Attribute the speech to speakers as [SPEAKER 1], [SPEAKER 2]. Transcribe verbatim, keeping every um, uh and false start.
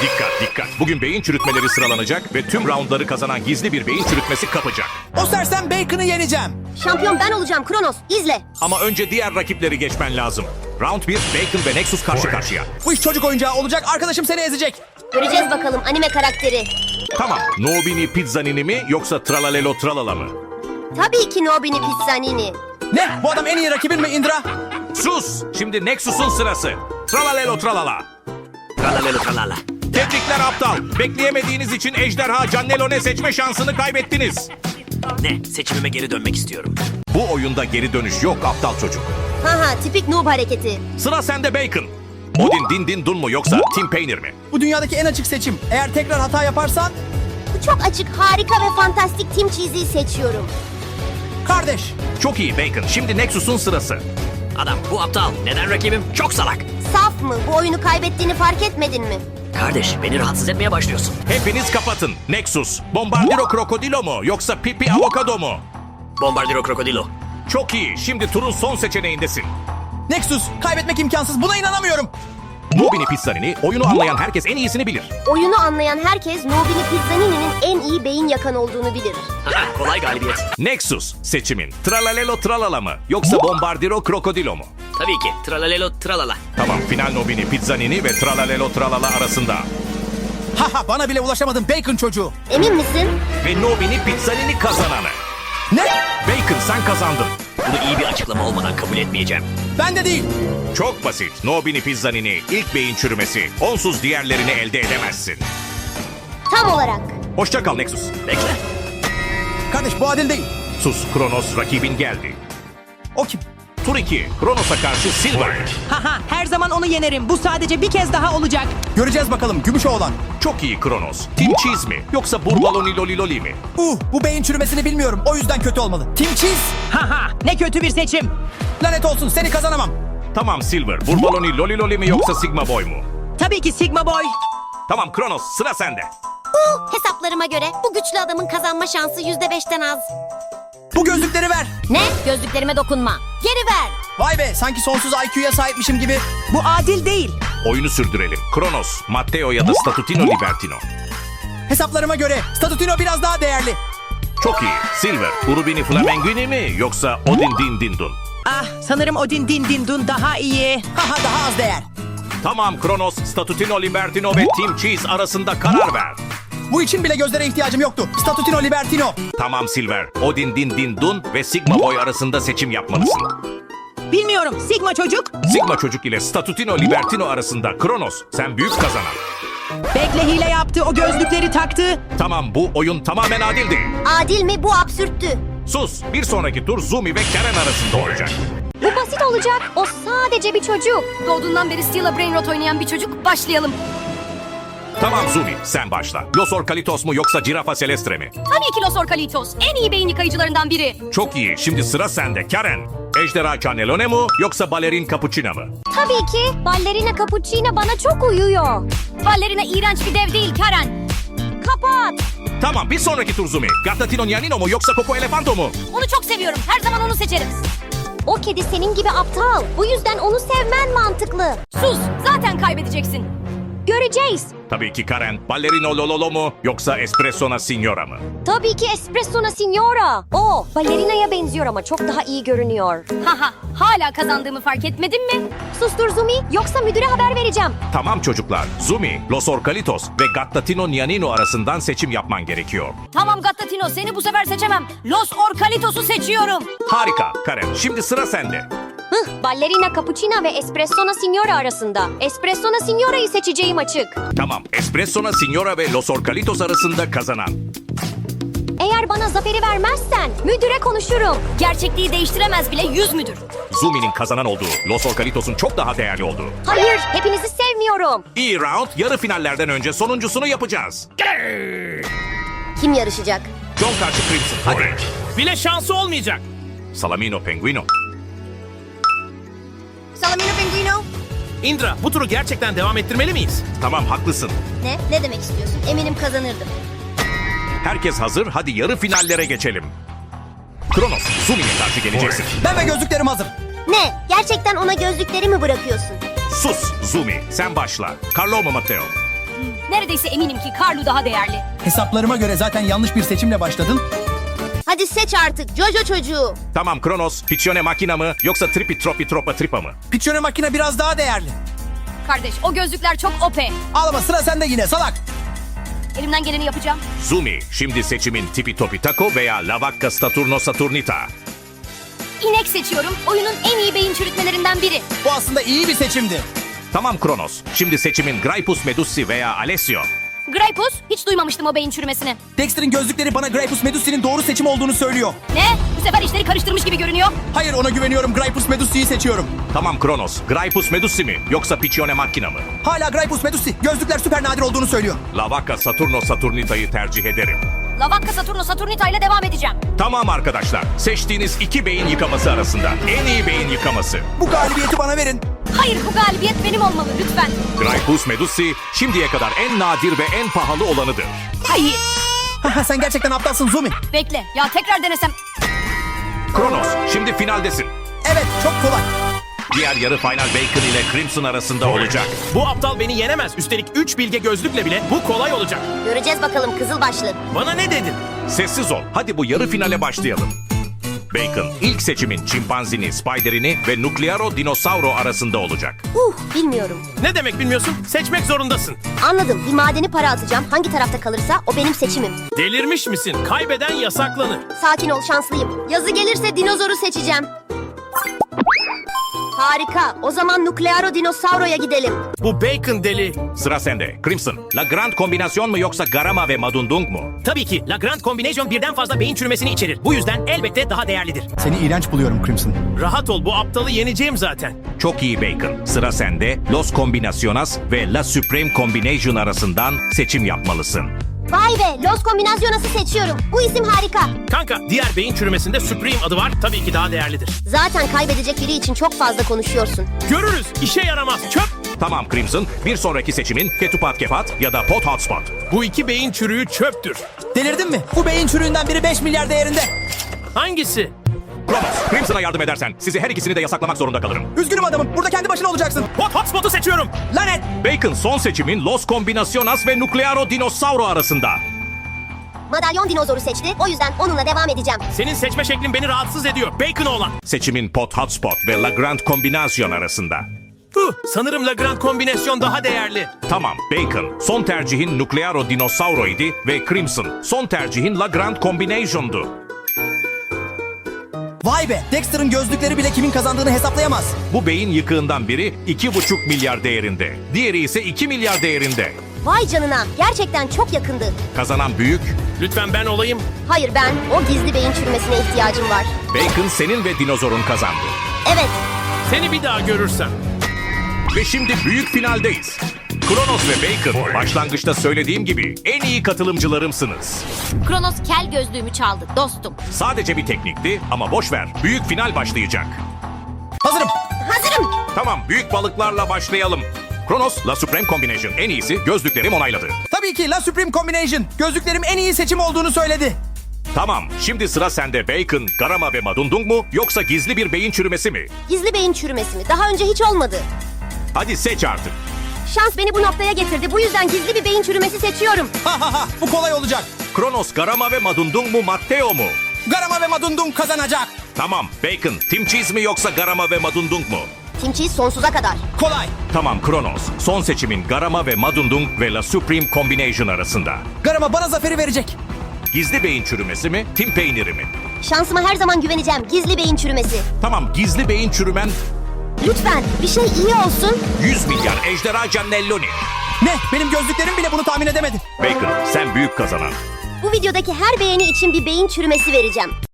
[SPEAKER 1] Dikkat dikkat. Bugün beyin çürütmeleri sıralanacak ve tüm roundları kazanan gizli bir beyin çürütmesi kapacak.
[SPEAKER 2] O sersem Bacon'ı yeneceğim.
[SPEAKER 3] Şampiyon ben olacağım Kronos. İzle.
[SPEAKER 1] Ama önce diğer rakipleri geçmen lazım. Round bir, Bacon ve Nexus karşı karşıya.
[SPEAKER 2] Bu iş çocuk oyuncağı olacak. Arkadaşım seni ezecek.
[SPEAKER 3] Göreceğiz bakalım anime karakteri.
[SPEAKER 1] Tamam, Nobini Pizzanini mi yoksa Tralalelo Tralala mı?
[SPEAKER 3] Tabii ki Nobini Pizzanini.
[SPEAKER 2] Ne? Bu adam en iyi rakibin mi Indra?
[SPEAKER 1] Sus! Şimdi Nexus'un sırası. Tralalelo Tralala.
[SPEAKER 4] Tralalelo tralala.
[SPEAKER 1] Tebrikler aptal. Bekleyemediğiniz için Ejderha Cannelone seçme şansını kaybettiniz.
[SPEAKER 4] Ne? Seçimime geri dönmek istiyorum.
[SPEAKER 1] Bu oyunda geri dönüş yok aptal çocuk.
[SPEAKER 3] Haha tipik noob hareketi.
[SPEAKER 1] Sıra sende Bacon. Odin Din Din Dun mu yoksa Tim Painter mi?
[SPEAKER 2] Bu dünyadaki en açık seçim. Eğer tekrar hata yaparsan
[SPEAKER 3] Bu çok açık, harika ve fantastik Team Cheese'i seçiyorum.
[SPEAKER 2] kardeş.
[SPEAKER 1] Çok iyi Bacon. Şimdi Nexus'un sırası.
[SPEAKER 4] Adam bu aptal. Neden rakibim? Çok salak.
[SPEAKER 3] Saf mı? Bu oyunu kaybettiğini fark etmedin mi?
[SPEAKER 4] Kardeş beni rahatsız etmeye başlıyorsun.
[SPEAKER 1] Hepiniz kapatın. Nexus, Bombardiro Krokodilo mu yoksa Pipi Avokado mu?
[SPEAKER 4] Bombardiro krokodilo.
[SPEAKER 1] Çok iyi. Şimdi turun son seçeneğindesin.
[SPEAKER 2] Nexus, kaybetmek imkansız. Buna inanamıyorum.
[SPEAKER 1] Nobini Pizzanini, oyunu anlayan herkes en iyisini bilir.
[SPEAKER 3] Oyunu anlayan herkes Nobini Pizzanini'nin en iyi beyin yakan olduğunu bilir.
[SPEAKER 4] Haha, kolay galibiyet.
[SPEAKER 1] Nexus seçimin. Tralalelo Tralala mı yoksa Bombardiro Krokodilo mu?
[SPEAKER 4] Tabii ki. Tralalelo tralala.
[SPEAKER 1] Tamam, final Nobini Pizzanini ve Tralalelo Tralala arasında.
[SPEAKER 2] Haha, bana bile ulaşamadın Bacon çocuğu.
[SPEAKER 3] Emin misin?
[SPEAKER 1] Ve Nobini Pizzanini kazananı.
[SPEAKER 2] Ne?
[SPEAKER 1] Bacon sen kazandın.
[SPEAKER 4] Bunu iyi bir açıklama olmadan kabul etmeyeceğim.
[SPEAKER 2] Ben de değil.
[SPEAKER 1] Çok basit. Nobini Pizzanini ilk beyin çürümesi. Onsuz diğerlerini elde edemezsin.
[SPEAKER 3] Tam olarak.
[SPEAKER 1] Hoşça kal Nexus.
[SPEAKER 4] Bekle.
[SPEAKER 2] Kardeş bu adil değil.
[SPEAKER 1] Sus, Kronos rakibin geldi.
[SPEAKER 2] O kim?
[SPEAKER 1] Tur iki, Kronos'a karşı Silver.
[SPEAKER 5] Haha, her zaman onu yenerim. Bu sadece bir kez daha olacak.
[SPEAKER 2] Göreceğiz bakalım gümüş oğlan.
[SPEAKER 1] Çok iyi Kronos. Team Cheese mi yoksa Burbaloni Loli Loli mi?
[SPEAKER 2] Uh, bu beyin çürümesini bilmiyorum. O yüzden kötü olmalı. Team Cheese.
[SPEAKER 5] Haha, ne kötü bir seçim.
[SPEAKER 2] Lanet olsun, seni kazanamam.
[SPEAKER 1] Tamam Silver, Burbaloni Loli Loli mi yoksa Sigma Boy mu?
[SPEAKER 5] Tabii ki Sigma Boy.
[SPEAKER 1] Tamam Kronos, sıra sende.
[SPEAKER 3] Uh, hesaplarıma göre bu güçlü adamın kazanma şansı yüzde beşten az.
[SPEAKER 2] Bu gözlükleri ver.
[SPEAKER 3] Ne? Gözlüklerime dokunma. Geri ver.
[SPEAKER 2] Vay be, sanki sonsuz I Q'ya sahipmişim gibi.
[SPEAKER 5] Bu adil değil.
[SPEAKER 1] Oyunu sürdürelim. Kronos, Matteo ya da Statutino Libertino.
[SPEAKER 2] Hesaplarıma göre Statutino biraz daha değerli.
[SPEAKER 1] Çok iyi. Silver, Urubini Flamenguini mi yoksa Odin Din Din Dun?
[SPEAKER 5] Ah, sanırım Odin Din Din Dun daha iyi.
[SPEAKER 2] Haha, daha az değer.
[SPEAKER 1] Tamam Kronos, Statutino Libertino ve Team Cheese arasında karar ver.
[SPEAKER 2] Bu için bile gözlere ihtiyacım yoktu. Statutino Libertino.
[SPEAKER 1] Tamam Silver, Odin Din Din Dun ve Sigma Boy arasında seçim yapmalısın.
[SPEAKER 5] Bilmiyorum, Sigma çocuk.
[SPEAKER 1] Sigma çocuk ile Statutino Libertino arasında Kronos, sen büyük kazanan.
[SPEAKER 5] Bekle, hile yaptı, o gözlükleri taktı.
[SPEAKER 1] Tamam, bu oyun tamamen adildi.
[SPEAKER 3] Adil mi? Bu absürttü.
[SPEAKER 1] Sus, bir sonraki tur Zumi ve Karen arasında olacak.
[SPEAKER 3] Bu basit olacak. O sadece bir çocuk. Doğduğundan beri Steel'a Brain Rot oynayan bir çocuk. Başlayalım.
[SPEAKER 1] Tamam Zumi, sen başla. Los Orkalitos mu yoksa Girafa Celestre mi?
[SPEAKER 6] Tabii ki Los Orkalitos. En iyi beyin yıkayıcılarından biri.
[SPEAKER 1] Çok iyi, şimdi sıra sende Karen. Ejderha Cannelone mu yoksa Balerin Cappuccina mı?
[SPEAKER 3] Tabii ki. Ballerina Cappuccina bana çok uyuyor.
[SPEAKER 6] Ballerina iğrenç bir dev değil Karen.
[SPEAKER 3] Kapat.
[SPEAKER 1] Tamam, bir sonraki tur Zumi. Gattatino Nyanino mu yoksa Coco Elefanto mu?
[SPEAKER 6] Onu çok seviyorum. Her zaman onu seçerim.
[SPEAKER 3] O kedi senin gibi aptal. Bu yüzden onu sevmen mantıklı.
[SPEAKER 6] Sus. Zaten kaybedeceksin.
[SPEAKER 3] Göreceğiz.
[SPEAKER 1] Tabii ki Karen. Ballerino Lololo mu yoksa Espressona Signora mı?
[SPEAKER 3] Tabii ki Espressona Signora. O ballerinaya benziyor ama çok daha iyi görünüyor.
[SPEAKER 6] Haha. Hala kazandığımı fark etmedin mi?
[SPEAKER 3] Sustur Zumi, yoksa müdüre haber vereceğim.
[SPEAKER 1] Tamam çocuklar, Zumi, Los Orkalitos ve Gattatino Nyanino arasından seçim yapman gerekiyor.
[SPEAKER 6] Tamam Gattatino, seni bu sefer seçemem. Los Orkalitos'u seçiyorum.
[SPEAKER 1] Harika Karen, şimdi sıra sende.
[SPEAKER 3] Hıh, Ballerina Cappuccina ve Espressona Signora arasında. Espressona Signora'yı seçeceğim açık.
[SPEAKER 1] Tamam, Espressona Signora ve Los Orkalitos arasında kazanan.
[SPEAKER 3] Eğer bana zaferi vermezsen müdüre konuşurum.
[SPEAKER 6] Gerçekliği değiştiremez bile yüz müdür.
[SPEAKER 1] Zumi'nin kazanan olduğu, Los Orkalitos'un çok daha değerli olduğu.
[SPEAKER 3] Hayır, hepinizi sevmiyorum.
[SPEAKER 1] İyi round, yarı finallerden önce sonuncusunu yapacağız.
[SPEAKER 3] Kim yarışacak?
[SPEAKER 1] John karşı Crimson, hadi.
[SPEAKER 7] Bile şansı olmayacak.
[SPEAKER 1] Salamino Penguino.
[SPEAKER 3] Salamino Pinguino.
[SPEAKER 7] Indra, bu turu gerçekten devam ettirmeli miyiz?
[SPEAKER 1] Tamam, haklısın.
[SPEAKER 3] Ne? Ne demek istiyorsun? Eminim kazanırdım.
[SPEAKER 1] Herkes hazır, hadi yarı finallere geçelim. Kronos, Zumi'ye karşı geleceksin.
[SPEAKER 2] Ben ve gözlüklerim hazır.
[SPEAKER 3] Ne? Gerçekten ona gözlükleri mi bırakıyorsun?
[SPEAKER 1] Sus Zumi, sen başla. Carlo mu Matteo?
[SPEAKER 6] Neredeyse eminim ki Carlo daha değerli.
[SPEAKER 2] Hesaplarıma göre zaten yanlış bir seçimle başladın.
[SPEAKER 3] Hadi seç artık Jojo çocuğu.
[SPEAKER 1] Tamam Kronos, Piccione makina mı yoksa Tripi Tropi Tropa Tripa mı?
[SPEAKER 2] Piccione makine biraz daha değerli.
[SPEAKER 6] Kardeş o gözlükler çok O P.
[SPEAKER 2] Ağlama, sıra sende yine salak.
[SPEAKER 6] Elimden geleni yapacağım.
[SPEAKER 1] Zumi, şimdi seçimin Tipi Topi Taco veya La Vacca Saturno Saturnita.
[SPEAKER 6] İnek seçiyorum. Oyunun en iyi beyin çürütmelerinden biri.
[SPEAKER 2] Bu aslında iyi bir seçimdi.
[SPEAKER 1] Tamam Kronos, şimdi seçimin Graipus Medusi veya Alessio.
[SPEAKER 6] Gripus, hiç duymamıştım o beyin çürümesini.
[SPEAKER 2] Dexter'ın gözlükleri bana Graipus Medusi'nin doğru seçim olduğunu söylüyor.
[SPEAKER 6] Ne? Bu sefer işleri karıştırmış gibi görünüyor.
[SPEAKER 2] Hayır, ona güveniyorum. Graipus Medusi'yi seçiyorum.
[SPEAKER 1] Tamam Kronos, Graipus Medusi mi yoksa Piccione makina mı?
[SPEAKER 2] Hala Graipus Medusi. Gözlükler süper nadir olduğunu söylüyor.
[SPEAKER 1] La Vacca Saturno Saturnita'yı tercih ederim.
[SPEAKER 6] La Vacca Saturno Saturnita ile devam edeceğim.
[SPEAKER 1] Tamam arkadaşlar, seçtiğiniz iki beyin yıkaması arasında en iyi beyin yıkaması.
[SPEAKER 2] Bu galibiyeti bana verin.
[SPEAKER 6] Hayır, bu galibiyet benim olmalı lütfen.
[SPEAKER 1] Graipus Medusi şimdiye kadar en nadir ve en pahalı olanıdır.
[SPEAKER 6] Hayır.
[SPEAKER 2] Haha, sen gerçekten aptalsın Zumi.
[SPEAKER 6] Bekle, ya tekrar denesem.
[SPEAKER 1] Kronos, şimdi finaldesin.
[SPEAKER 2] Evet, çok kolay.
[SPEAKER 1] Diğer yarı final Bacon ile Crimson arasında olacak.
[SPEAKER 7] Bu aptal beni yenemez. Üstelik üç bilge gözlükle bile bu kolay olacak.
[SPEAKER 3] Göreceğiz bakalım Kızılbaşlı.
[SPEAKER 7] Bana ne dedin?
[SPEAKER 1] Sessiz ol, hadi bu yarı finale başlayalım. Bacon, ilk seçimin çimpanzini, spiderini ve Nuclearo Dinosauro arasında olacak.
[SPEAKER 3] Uh, bilmiyorum.
[SPEAKER 7] Ne demek bilmiyorsun? Seçmek zorundasın.
[SPEAKER 3] Anladım. Bir madeni para atacağım. Hangi tarafta kalırsa o benim seçimim.
[SPEAKER 7] Delirmiş misin? Kaybeden yasaklanır.
[SPEAKER 3] Sakin ol, şanslıyım. Yazı gelirse dinozoru seçeceğim. Harika. O zaman Nuclearo Dinosauro'ya gidelim.
[SPEAKER 7] Bu Bacon deli.
[SPEAKER 1] Sıra sende. Crimson, La Grand kombinasyon mu yoksa Garama ve Madundung mu?
[SPEAKER 4] Tabii ki La Grand Combination birden fazla beyin çürümesini içerir. Bu yüzden elbette daha değerlidir.
[SPEAKER 2] Seni iğrenç buluyorum Crimson.
[SPEAKER 7] Rahat ol, bu aptalı yeneceğim zaten.
[SPEAKER 1] Çok iyi Bacon. Sıra sende. Los Combinaciones ve La Supreme Combination arasından seçim yapmalısın.
[SPEAKER 3] Vay be, Los Combinaciones'ı seçiyorum. Bu isim harika.
[SPEAKER 7] Kanka, diğer beyin çürümesinde Supreme adı var. Tabii ki daha değerlidir.
[SPEAKER 3] Zaten kaybedecek biri için çok fazla konuşuyorsun.
[SPEAKER 7] Görürüz. İşe yaramaz. Çöp.
[SPEAKER 1] Tamam Crimson, bir sonraki seçimin Ketupat Kepat ya da Pot Hotspot.
[SPEAKER 7] Bu iki beyin çürüğü çöptür.
[SPEAKER 2] Delirdin mi? Bu beyin çürüğünden biri beş milyar değerinde.
[SPEAKER 7] Hangisi?
[SPEAKER 1] Kronos, Crimson'a yardım edersen sizi her ikisini de yasaklamak zorunda kalırım.
[SPEAKER 2] Üzgünüm adamım. Burada kendi başına olacaksın.
[SPEAKER 7] Hot Hotspot'u seçiyorum.
[SPEAKER 2] Lanet!
[SPEAKER 1] Bacon son seçimin Los Combinaciones ve Nuclearo Dinosauro arasında.
[SPEAKER 3] Madalyon dinozoru seçti. O yüzden onunla devam edeceğim.
[SPEAKER 7] Senin seçme şeklin beni rahatsız ediyor. Bacon olan.
[SPEAKER 1] Seçimin Pot Hotspot ve La Grand Combination arasında.
[SPEAKER 7] Huh, sanırım La Grand kombinasyon daha değerli.
[SPEAKER 1] Tamam Bacon, son tercihin Nuclearo Dinosauro idi ve Crimson, son tercihin La Grand Combination'du.
[SPEAKER 2] Vay be! Dexter'ın gözlükleri bile kimin kazandığını hesaplayamaz.
[SPEAKER 1] Bu beyin yıkığından biri iki buçuk milyar değerinde. Diğeri ise iki milyar değerinde.
[SPEAKER 3] Vay canına. Gerçekten çok yakındı.
[SPEAKER 1] Kazanan büyük.
[SPEAKER 7] Lütfen ben olayım.
[SPEAKER 3] Hayır, ben o gizli beyin çürümesine ihtiyacım var.
[SPEAKER 1] Bacon senin ve dinozorun kazandı.
[SPEAKER 3] Evet.
[SPEAKER 7] Seni bir daha görürsem.
[SPEAKER 1] Ve şimdi büyük finaldeyiz. Kronos ve Bacon, başlangıçta söylediğim gibi en iyi katılımcılarımsınız.
[SPEAKER 3] Kronos kel gözlüğümü çaldı dostum.
[SPEAKER 1] Sadece bir teknikti ama boş ver. Büyük final başlayacak.
[SPEAKER 2] Hazırım.
[SPEAKER 3] Hazırım.
[SPEAKER 1] Tamam, büyük balıklarla başlayalım. Kronos, La Supreme Combination en iyisi, gözlüklerim onayladı.
[SPEAKER 2] Tabii ki La Supreme Combination. Gözlüklerim en iyi seçim olduğunu söyledi.
[SPEAKER 1] Tamam, şimdi sıra sende Bacon, Garama ve Madundung mu yoksa gizli bir beyin çürümesi mi?
[SPEAKER 3] Gizli beyin çürümesi mi? Daha önce hiç olmadı.
[SPEAKER 1] Hadi seç artık.
[SPEAKER 3] Şans beni bu noktaya getirdi. Bu yüzden gizli bir beyin çürümesi seçiyorum.
[SPEAKER 2] Ha ha ha, bu kolay olacak.
[SPEAKER 1] Kronos, Garama ve Madundung mu Matteo mu?
[SPEAKER 2] Garama ve Madundung kazanacak.
[SPEAKER 1] Tamam, Bacon, Team Cheese mi yoksa Garama ve Madundung mu?
[SPEAKER 3] Team Cheese sonsuza kadar.
[SPEAKER 2] Kolay.
[SPEAKER 1] Tamam Kronos, son seçimin Garama ve Madundung ve La Supreme Combination arasında.
[SPEAKER 2] Garama bana zaferi verecek.
[SPEAKER 1] Gizli beyin çürümesi mi, Tim peyniri mi?
[SPEAKER 3] Şansıma her zaman güveneceğim. Gizli beyin çürümesi.
[SPEAKER 1] Tamam, gizli beyin çürümen
[SPEAKER 3] Lütfen bir şey iyi olsun.
[SPEAKER 1] yüz milyar ejderha cannelloni.
[SPEAKER 2] Ne? Benim gözlüklerim bile bunu tahmin edemedi.
[SPEAKER 1] Bacon, sen büyük kazanan.
[SPEAKER 3] Bu videodaki her beğeni için bir beyin çürümesi vereceğim.